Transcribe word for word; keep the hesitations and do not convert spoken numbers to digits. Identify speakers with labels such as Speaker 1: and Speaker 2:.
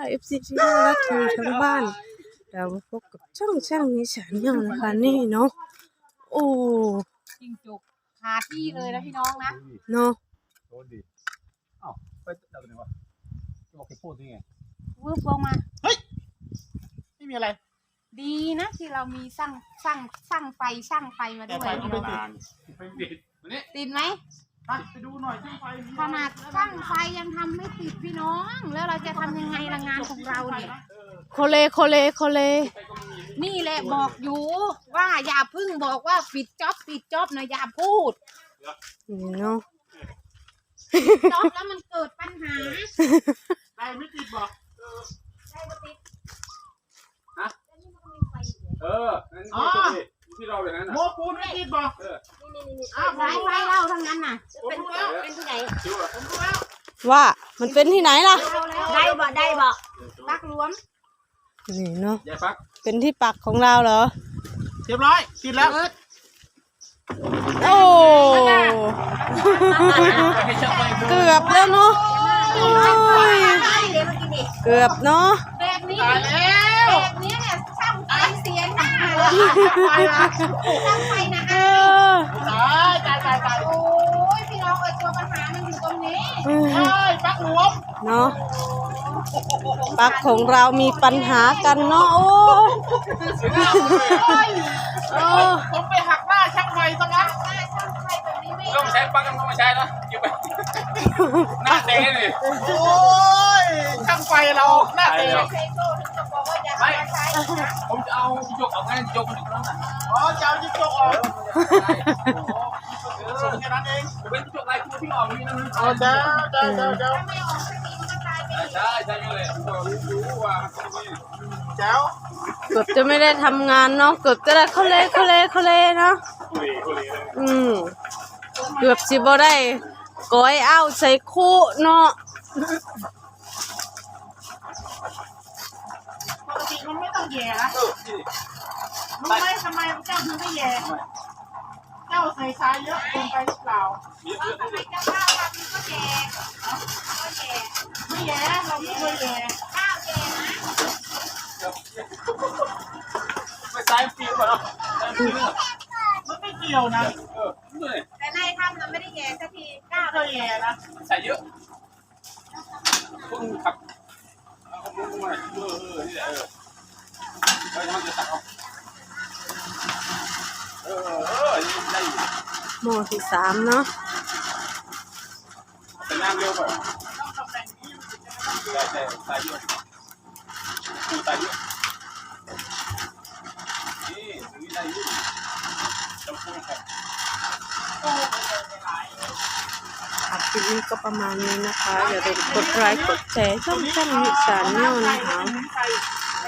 Speaker 1: เอฟซีที่น่ารักที่ทั้งบ้านเรามาพบกับช่องช่างนิสานเนี่ยนะคะนี่เนาะโอ้
Speaker 2: จริงจุกคาที่เลยนะพี่น้องนะ
Speaker 1: เนาะ
Speaker 3: โดนดิอ้าวไปจับตัวไหนวะจะบอกแกพูดยังไง
Speaker 2: วืบลงมา
Speaker 3: เฮ้ยไม่มีอะไร
Speaker 2: ดีนะที่เรามีสร้างสร้างสร้างไฟสร้างไฟมาด้วยพี่น้อง
Speaker 3: ไปติด
Speaker 2: ติดไหม
Speaker 3: ไปดูหน่อยช่างไฟ
Speaker 2: ขนาดสร้างไฟยังทำไม่ติดพี่น้องแล้วเราจะทำยังไงละงานของเราเนี่ย
Speaker 1: โคเลโคเลโคเล
Speaker 2: นี่แหละบอกอยู่ว่าอย่าพึ่งบอกว่าปิดจ็อบปิดจ็อบนะอย่าพูด
Speaker 1: เนาะ
Speaker 2: จ็อบแล้วมันเกิดปัญหา
Speaker 3: ไฟไม่ติดบอก
Speaker 2: ไฟไม่ติด
Speaker 3: ฮะเอออ๋อที่เราเลยนะโมปูนไม่ติดบอกเออ
Speaker 2: นี่นี่นี่สายไฟเล่าทั้งนั้นน่ะเป็นเป็นที่ไหน
Speaker 3: ผมรู้แล้ว
Speaker 1: ว่ามันเป็นที่ไหนล่ะ
Speaker 2: ได้บ่ได้บ่ปักรวม
Speaker 1: นี่เนาะ
Speaker 3: ยายปัก
Speaker 1: เป็นที่ปักของเราเหรอ
Speaker 3: เรียบร้อยติดแล้ว
Speaker 1: โอ้เกือบแล้วเนาะเกือบเนาะ
Speaker 2: แบบนี้แบบนี้เนี่ยช่างไฟเสียหน้าช่างไฟนะฮะตายตายตายตายโอ้ยพี่น้องเอ้ยตัวปัญหามันอยู่ตรงนี้
Speaker 3: ใช่ปักหลวม
Speaker 1: เนาะปักของเรามีปัญหากันเนาะโอ้
Speaker 3: โอ้ผมไปหักหน้าช่างไฟซะงั้นต้องใช้ปักกันต้องไม่ใช้นะอยู่ไปหน้าเตะเลยโอ้ยช่างไฟเราหน้าเตะไม่ผมจะเอาจิจกออกไงจิจกมันอยู่ตรงนั้นอ๋อจะเอาจิจกออกแค่นั้นเองเป็นจิจกลายคู่ที่ออกนี่นะอ๋อเจ้าเจ้าเจ้าเจ้าใช่ใช่เลยรู้ว่าเจ้า
Speaker 1: เกือบจะไม่ได้ทำงานเนาะเกือบจะได้เขาเล่เขาเล่เขาเล่เนาะอืมเกือบสิบ่ได้ก้อยเอาใส่คู่เนาะ
Speaker 2: ปกติมันไม่ต้องแย่นะรู้ไหมทำไมเจ้าถึงไม่แย่เจ้าใส่ทรายเยอะเกินไปหรือเปล่าทำไมเจ้าข้าวทำก็แย่ก็แย่ไม่แย่เราไม่เคยแย่ข้าวแย่นะ
Speaker 3: ไม่ใช่ฟิวเหรอมันไม่เกี่ยวนะ
Speaker 2: แต่ในทำเราไม่ได้แย่สักทีข้าว
Speaker 3: ก็แย่นะใส่เยอะต้องขับเอามุ้งมาเออเออนี่แหละเออแล้วมันจะตัดออกเออเออได้
Speaker 1: หม้อที่สามเนาะ
Speaker 3: แต่น้ำเร็วไปแต่แต่ใส่เยอะกูใส่เยอะนี่ตรงนี้ได้เยอะจำเป็นครับ
Speaker 1: คลิปนี้ก็ประมาณนี้นะคะอย่าลืมกดไลค์กดแชร์ช่องช่างนิสานเนี่ยนะคะ